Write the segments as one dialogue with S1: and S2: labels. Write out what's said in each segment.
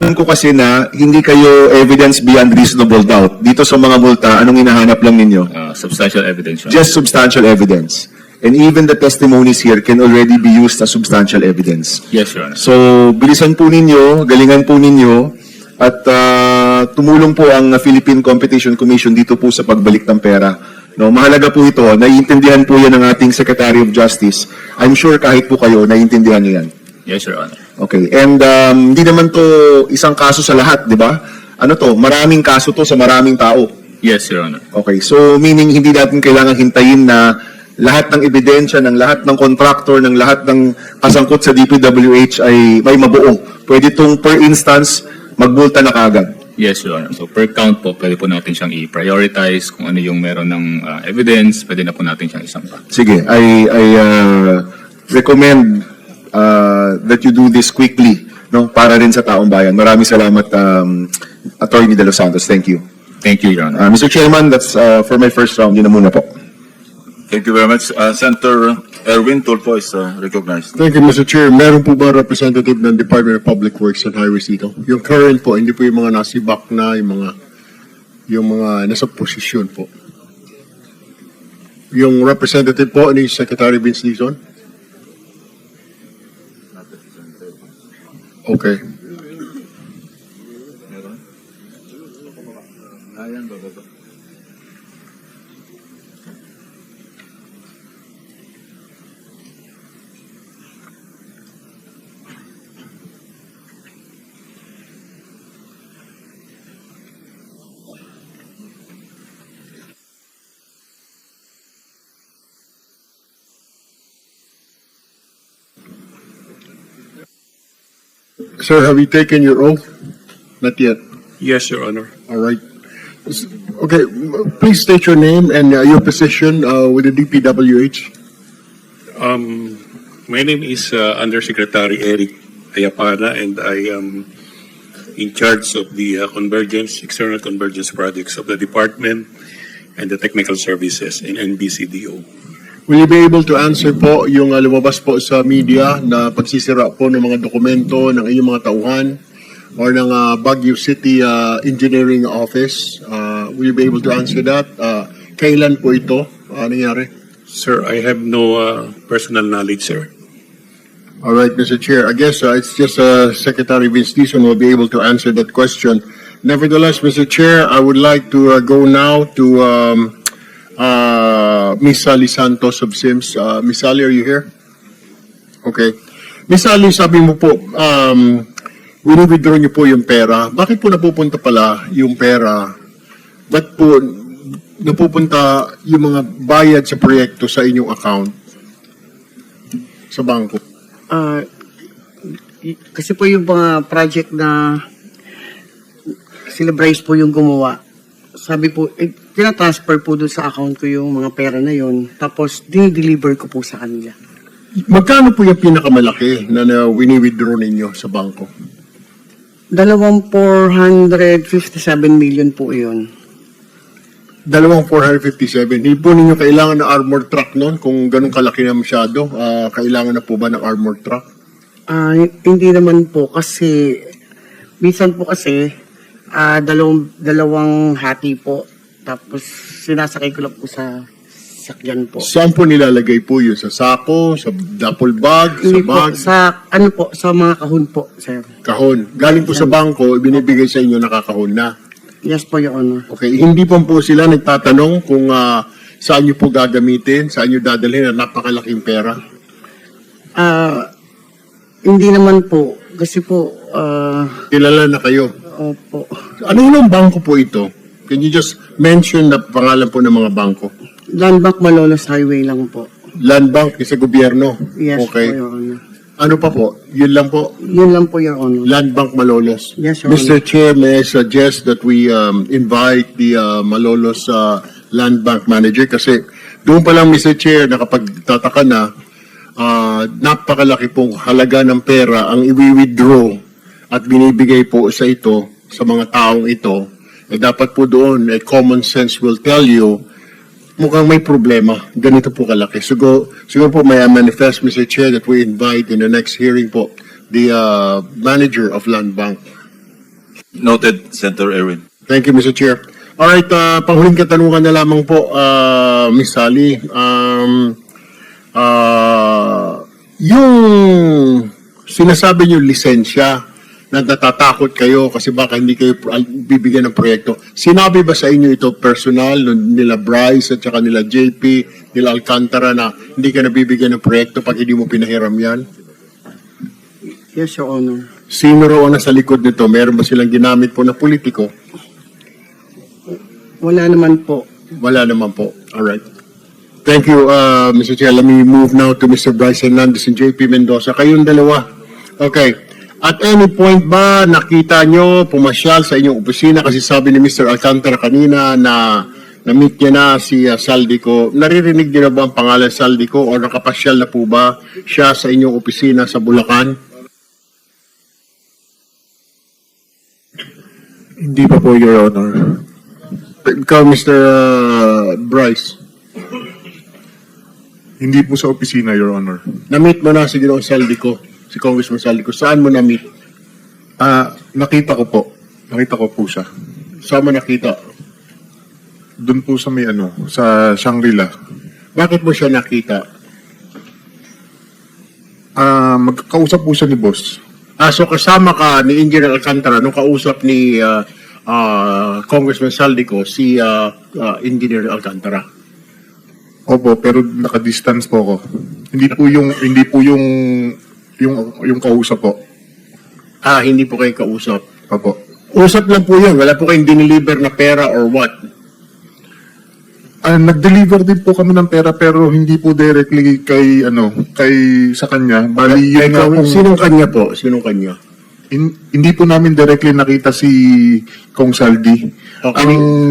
S1: alam ko kasi na hindi kayo evidence beyond reasonable doubt. Dito sa mga multa, anong hinahanap lang ninyo?
S2: Substantial evidence, Your Honor.
S1: Just substantial evidence. And even the testimonies here can already be used as substantial evidence.
S2: Yes, Your Honor.
S1: So, bilisan po ninyo, galingan po ninyo, at tumulong po ang Philippine Competition Commission dito po sa pagbalik ng pera. No, mahalaga po ito. Naiintindihan po yan ng ating Secretary of Justice. I'm sure kahit po kayo, naiintindihan niyo yan.
S2: Yes, Your Honor.
S1: Okay. And hindi naman to isang kaso sa lahat, di ba? Ano to? Maraming kaso to sa maraming tao.
S2: Yes, Your Honor.
S1: Okay. So, meaning hindi natin kailangan hintayin na lahat ng ebidensya, ng lahat ng contractor, ng lahat ng kasangkot sa DPWH ay may mabuo. Pwede itong per instance, magbulta na kagad.
S2: Yes, Your Honor. So per count po, pwede po natin siyang i-prioritize kung ano yung meron ng evidence, pwede na po natin siyang isampa.
S1: Sige, I recommend that you do this quickly, no, para rin sa taong bayan. Maraming salamat, Attorney De Los Santos. Thank you.
S2: Thank you, Your Honor.
S1: Mr. Chairman, that's for my first round. Yun na muna po.
S3: Thank you very much. Senator Erwin Tulfo is recognized.
S4: Thank you, Mr. Chair. Meron po ba representative ng Department of Public Works and Highways dito? Yung current po, hindi po yung mga nasibak na, yung mga nasa posisyon po. Yung representative po ni Secretary Vince Dizon? Okay. Sir, have you taken your oath? Not yet.
S5: Yes, Your Honor.
S4: All right. Okay, please state your name and your position with the DPWH.
S5: My name is Undersecretary Eric Ayapana, and I am in charge of the external convergence projects of the department and the technical services in NBCDO.
S4: Will you be able to answer po yung lumabas po sa media na pagsisira po ng mga dokumento ng inyong mga tauhan or ng Baguio City Engineering Office? Will you be able to answer that? Kailan po ito nangyari?
S5: Sir, I have no personal knowledge, sir.
S4: All right, Mr. Chair. I guess it's just Secretary Vince Dizon will be able to answer that question. Nevertheless, Mr. Chair, I would like to go now to Miss Sally Santos of SIMS. Miss Sally, are you here? Okay. Miss Sally, sabi mo po, wini-withdraw niyo po yung pera. Bakit po napupunta pala yung pera? Ba't po napupunta yung mga bayad sa proyekto sa inyong account sa bangko?
S6: Kasi po yung mga project na sila Bryce po yung gumawa. Sabi po, tina-transfer po doon sa account ko yung mga pera na yon. Tapos, dinideliver ko po sa kanila.
S4: Magkano po yung pinakamalaki na wini-withdraw ninyo sa bangko?
S6: 457 million po yun.
S4: 457. Hindi po ninyo kailangan ng armored truck noon kung ganun kalaki na masyado. Kailangan na po ba ng armored truck?
S6: Hindi naman po kasi, minsan po kasi, dalawang hati po. Tapos, sinasakay ko lang po sa sakyan po.
S4: Saan po nilalagay po yun? Sa sako? Sa duffel bag? Sa
S6: Hindi po,
S4: bag?
S6: sa mga kahon po, sir.
S4: Kahon. Galing po sa bangko, ibinibigay sa inyo nakakahon na.
S6: Yes po, Your Honor.
S4: Okay. Hindi po sila nagtatanong kung saan nyo po gagamitin, saan nyo dadalhin na napakalaking pera?
S6: Hindi naman po. Kasi po,
S4: Kilala na kayo.
S6: opo.
S4: Ano yung bangko po ito? Can you just mention na pangalan po ng mga bangko?
S6: Landbank Malolos Highway lang po.
S4: Land Bank sa gobyerno?
S6: Yes
S4: Okay.
S6: po, Your Honor.
S4: Ano pa po? Yun lang po?
S6: Yun lang po, Your Honor.
S4: Land Bank Malolos.
S6: Yes, Your
S4: Mr. Chair, may I suggest that we invite the Malolos Land Bank Manager kasi doon pa lang, Mr. Chair, nakapagtataka na napakalaki pong halaga ng pera ang i-withdraw at binibigay po sa ito, sa mga taong ito. Dapat po doon, common sense will tell you mukhang may problema. Ganito po kalaki. Siguro po may manifest, Mr. Chair, that we invite in the next hearing po the manager of Land Bank.
S3: Noted, Senator Erwin.
S4: Thank you, Mr. Chair. Alright, panghuling katanungan na lamang po, Ms. Sally. Yung sinasabi niyo lisensya na natatakot kayo kasi baka hindi kayo bibigyan ng proyekto. Sinabi ba sa inyo ito personal nila Bryce at saka nila JP, nila Alcantara na hindi ka nabibigyan ng proyekto pag hindi mo pinahiram yan?
S6: Yes, Your Honor.
S4: Sino raw ang nasa likod nito? Meron ba silang ginamit po na politiko?
S6: Wala naman po.
S4: Wala naman po. Alright. Thank you, Mr. Chair. Let me move now to Mr. Bryce Hernandez and JP Mendoza. Kayong dalawa. Okay. At any point ba nakita nyo pumasyal sa inyong opisina kasi sabi ni Mr. Alcantara kanina na na-meet niya na si Saldico. Naririnig niyo na ba ang pangalan Saldico o nakapasyal na po ba siya sa inyong opisina sa Bulacan?
S7: Hindi pa po, Your Honor.
S4: Ikaw, Mr. Bryce,
S7: Hindi po sa opisina, Your Honor.
S4: na-meet mo na si Ginoong Saldico, si Congressman Saldico. Saan mo na-meet?
S7: Nakita ko po. Nakita ko po siya.
S4: Saan mo nakita?
S7: Doon po sa may sa Shangri-La.
S4: Bakit mo siya nakita?
S7: Magkakausap po siya ni boss.
S4: So kasama ka ni Engineer Alcantara nung kausap ni Congressman Saldico si Engineer Alcantara.
S7: Opo, pero naka-distance po ako. Hindi po yung kausap po.
S4: Hindi po kayo kausap.
S7: Opo.
S4: Usap lang po yun. Wala po kayong diniliver na pera or what?
S7: Nag-deliver din po kami ng pera pero hindi po directly kay sa kanya. Bali yun nga pong-
S4: Sinong kanya po? Sinong kanya?
S7: hindi po namin directly nakita si Kong Saldi.
S4: Okay.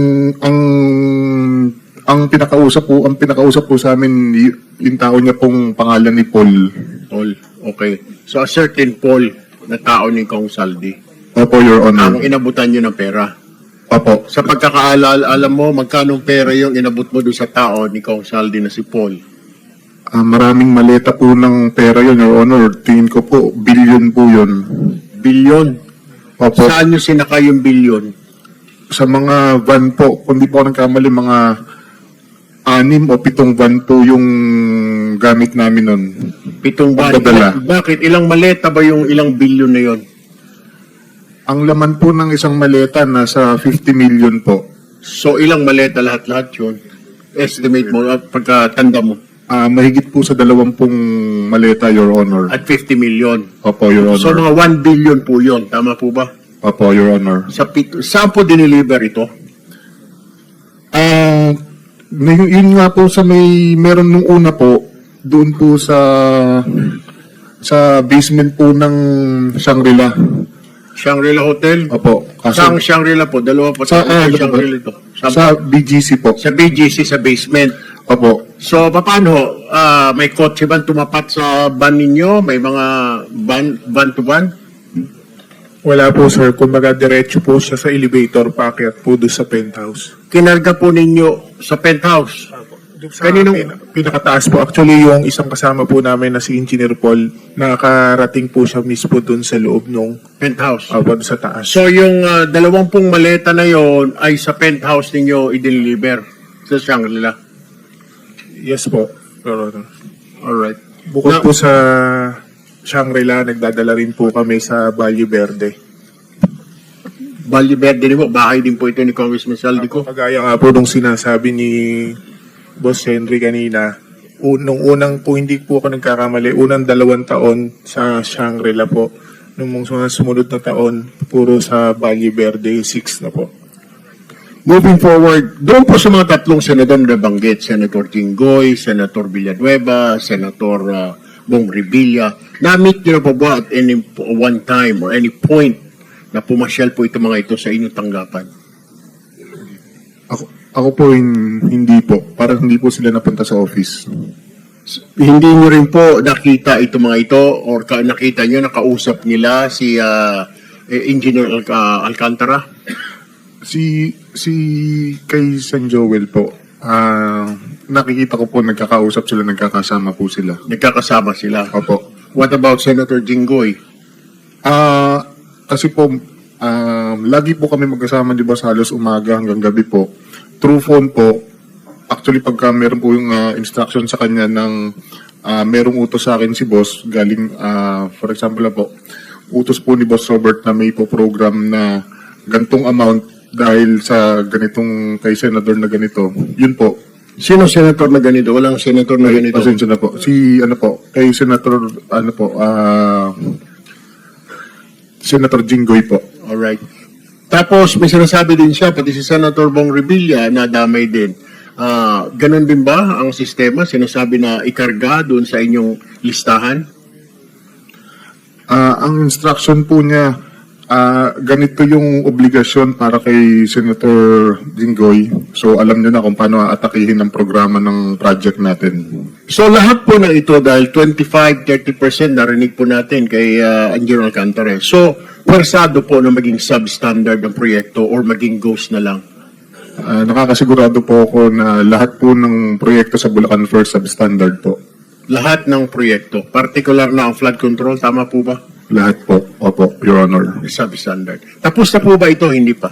S7: Ang pinakausap po sa amin yung tao niya pong pangalan ni Paul.
S4: Paul. Okay. So a certain Paul na tao ni Kong Saldi.
S7: Opo, Your Honor.
S4: Ang inabutan nyo ng pera.
S7: Opo.
S4: Sa pagkakaalala, alam mo, magkano pera yung inabot mo doon sa tao ni Kong Saldi na si Paul?
S7: Maraming maleta po ng pera yun, Your Honor. Tingin ko po, billion po yun.
S4: Bilyon.
S7: Opo.
S4: Saan nyo sinaka yung bilyon?
S7: Sa mga van po, kung di po ako nagkamali, mga 6 o 7 van po yung gamit namin nun.
S4: 7 ban.
S7: Pagdadala.
S4: Bakit? Ilang maleta ba yung ilang bilyon na yon?
S7: Ang laman po ng isang maleta nasa 50 million po.
S4: So ilang maleta lahat-lahat yun? Estimate mo at pagkatanda mo.
S7: Mahigit po sa 20 maleta, Your Honor.
S4: At 50 million.
S7: Opo, Your Honor.
S4: So mga 1 billion po yun. Tama po ba?
S7: Opo, Your Honor.
S4: Saan po diniliver ito?
S7: Yun nga po sa meron nung una po, doon po sa basement po ng Shangri-La.
S4: Shangri-La Hotel?
S7: Opo.
S4: Saan Shangri-La po? Dalawa po.
S7: Sa,
S4: Shangri-La ito.
S7: sa BGC po.
S4: Sa BGC, sa basement.
S7: Opo.
S4: So, paano? May kotse ba tumapat sa van ninyo? May mga van to van?
S8: Wala po sir, kumbaga diretso po siya sa elevator paakyat po doon sa penthouse.
S4: Kinarga po ninyo sa penthouse? Kaninong-
S8: Pinakataas po, actually yung isang kasama po namin na si Engineer Paul, nakarating po siya mismo doon sa loob nung
S4: Penthouse.
S8: doon sa taas.
S4: So, yung 20 maleta na yon ay sa penthouse ninyo i-deliver sa Shangri-La?
S8: Yes po. Pero,
S4: Alright.
S8: bukod po sa Shangri-La, nagdadala rin po kami sa Valle Verde.
S4: Valle Verde din po, bahay din po ito ni Congressman Saldico.
S8: Kagaya nga po nung sinasabi ni Boss Henry kanina, nung unang po, hindi po ako nagkakamali, unang 2 taon sa Shangri-La po. Nung mga sumunod na taon, puro sa Valle Verde, 6 na po.
S4: Moving forward, doon po sa mga tatlong senador na nabanggit, Senator Jinggoy, Senator Villanueva, Senator Bong Revilla, na-meet nyo na po ba at any one time or any point na pumasyal po ito mga ito sa inyong tanggapan?
S7: Ako po hindi po. Parang hindi po sila napunta sa office.
S4: Hindi nyo rin po nakita ito mga ito or nakita nyo, nakausap nila si Engineer Alcantara?
S7: Si kay San Joel po. Nakikita ko po nagkakausap sila, nagkakasama po sila.
S4: Nagkakasama sila.
S7: Opo.
S4: What about Senator Jinggoy?
S7: Kasi po Lagi po kami magkasama, di ba, sa halos umaga hanggang gabi po. Through phone po, actually pagka meron po yung instruction sa kanya ng merong utos sa akin si boss, galing, for example na po, utos po ni Boss Robert na may po program na gantong amount dahil sa ganitong kay Senador na ganito, yun po.
S4: Sino senator na ganito? Walang senator na ganito.
S7: Pasensya na po. Si, kay Senator, Senator Jinggoy po.
S4: Alright. Tapos may sinasabi din siya, pati si Senator Bong Revilla na damay din. Ganon din ba ang sistema? Sinasabi na ikarga doon sa inyong listahan?
S7: Ang instruction po niya, ganito yung obligasyon para kay Senator Jinggoy. So alam niyo na kung paano atakihin ang programa ng project natin.
S4: So lahat po na ito dahil 25-30% narinig po natin kay Angelo Alcantara. So pwersado po na maging substandard ang proyekto or maging ghost na lang.
S7: Nakakasigurado po ako na lahat po ng proyekto sa Bulacan First substandard po.
S4: Lahat ng proyekto, particular na ang flood control, tama po ba?
S7: Lahat po. Opo, Your Honor.
S4: Substandard. Tapos na po ba ito? Hindi pa.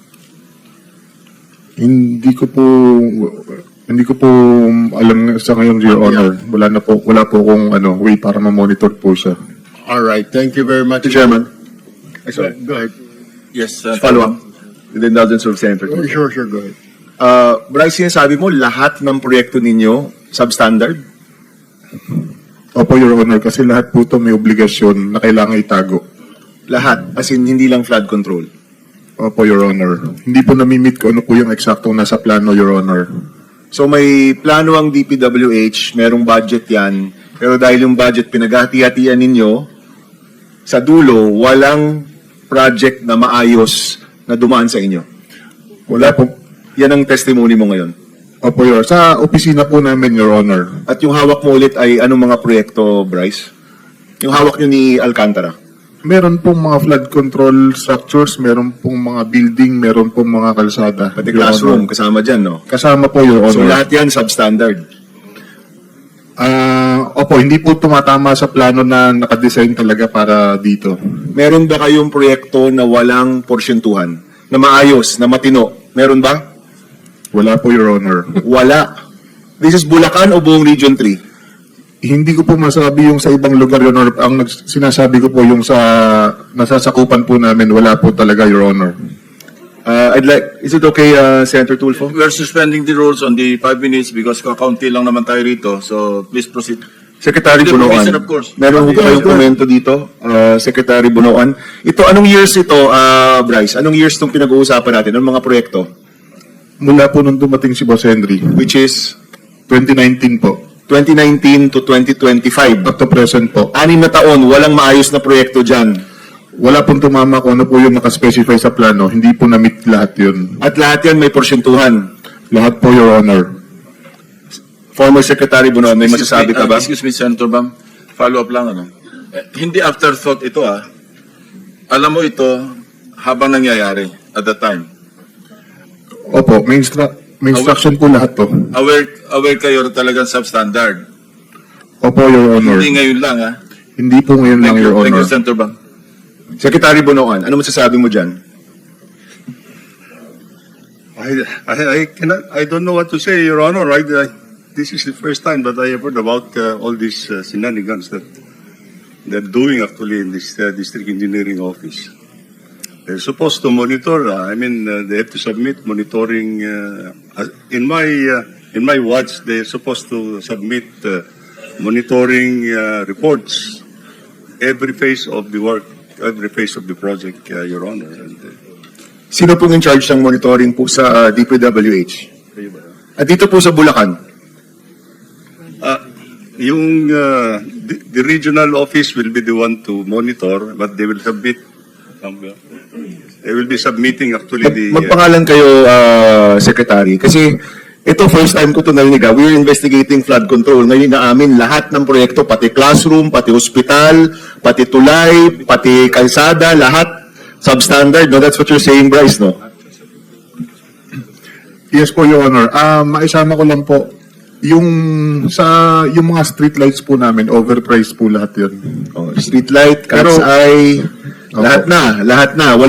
S7: Hindi ko po alam sa ngayon, Your Honor. Wala po akong way para ma-monitor po siya.
S4: Alright, thank you very much.
S1: Mr. Chairman. Sorry.
S4: Go ahead.
S3: Yes,
S1: Follow up. With the indulgence of Senator.
S4: Sure, go ahead.
S1: Bryce, sinasabi mo, lahat ng proyekto ninyo substandard?
S7: Opo, Your Honor, kasi lahat po ito may obligasyon na kailangan itago.
S1: Lahat, as in hindi lang flood control.
S7: Opo, Your Honor. Hindi po namimit ko ano po yung eksaktong nasa plano, Your Honor.
S1: So may plano ang DPWH, merong budget yan, pero dahil yung budget pinaghati-hatian ninyo, sa dulo, walang project na maayos na dumaan sa inyo.
S7: Wala po.
S1: Yan ang testimony mo ngayon.
S7: Opo, Your Honor. Sa opisina po namin, Your Honor.
S1: At yung hawak mo ulit ay anong mga proyekto, Bryce? Yung hawak nyo ni Alcantara?
S7: Meron pong mga flood control structures, meron pong mga building, meron pong mga kalsada.
S1: Pati
S7: Your
S1: classroom,
S7: Honor.
S1: kasama dyan, no?
S7: Kasama po, Your Honor.
S1: So lahat yan substandard.
S7: Opo, hindi po tumatama sa plano na nakadesign talaga para dito.
S1: Meron ba kayong proyekto na walang porsyentuhan? Na maayos, na matino? Meron ba?
S7: Wala po, Your Honor.
S1: Wala. This is Bulacan o buong Region 3?
S7: Hindi ko po masabi yung sa ibang lugar, Your Honor. Ang sinasabi ko po yung sa nasasakupan po namin, wala po talaga, Your Honor.
S1: Is it okay, Senator Tulfo?
S3: we're suspending the rules on the 5 minutes because kakaunti lang naman tayo rito. So please proceed.
S1: Secretary
S3: With the
S1: Bunoan.
S3: permission, of course.
S1: Meron ko kayong komento dito, Secretary Bunoan. Ito, anong years ito, Bryce? Anong years itong pinag-uusapan natin? Anong mga proyekto?
S7: Mula po nung dumating si Boss Henry,
S1: Which is
S7: 2019 po.
S1: 2019 to 2025.
S7: Up to present po.
S1: 6 na taon, walang maayos na proyekto dyan.
S7: Wala pong tumama kung ano po yung nakaspecify sa plano. Hindi po na-meet lahat yun.
S1: At lahat yan may porsyentuhan.
S7: Lahat po, Your Honor.
S1: Former Secretary Bunoan, may masasabi ka ba?
S3: Excuse me, Senator Bam. Follow up lang, hindi afterthought ito, Alam mo ito habang nangyayari at the time.
S7: Opo, may instruction po lahat po.
S3: Aware kayo na talagang substandard.
S7: Opo, Your Honor.
S3: Hindi ngayon lang,
S7: Hindi po ngayon lang, Your
S3: Thank
S7: Honor.
S3: you, Senator Bam.
S1: Secretary Bunoan, ano masasabi mo dyan?
S9: I don't know what to say, Your Honor. This is the first time that I have heard about all these shenanigans that they're doing actually in this district engineering office. They're supposed to monitor. They have to submit monitoring. In my watch, they're supposed to submit monitoring reports every phase of the work, every phase of the project, Your Honor.
S1: Sino pong in charge ng monitoring po sa DPWH? At dito po sa Bulacan?
S9: The regional office will be the one to monitor, but they will submit. They will be submitting actually the.
S1: Magpangalan kayo, Secretary. Kasi ito, first time ko ito narinig. We're investigating flood control. Ngayon naamin lahat ng proyekto, pati classroom, pati hospital, pati tulay, pati kalsada, lahat substandard. No? That's what you're saying, Bryce, no?
S7: Yes po, Your Honor. Maisama ko lang po, yung mga street lights po namin, overpriced po lahat yun.
S1: Streetlight,
S7: Pero-
S1: cat's eye, lahat na.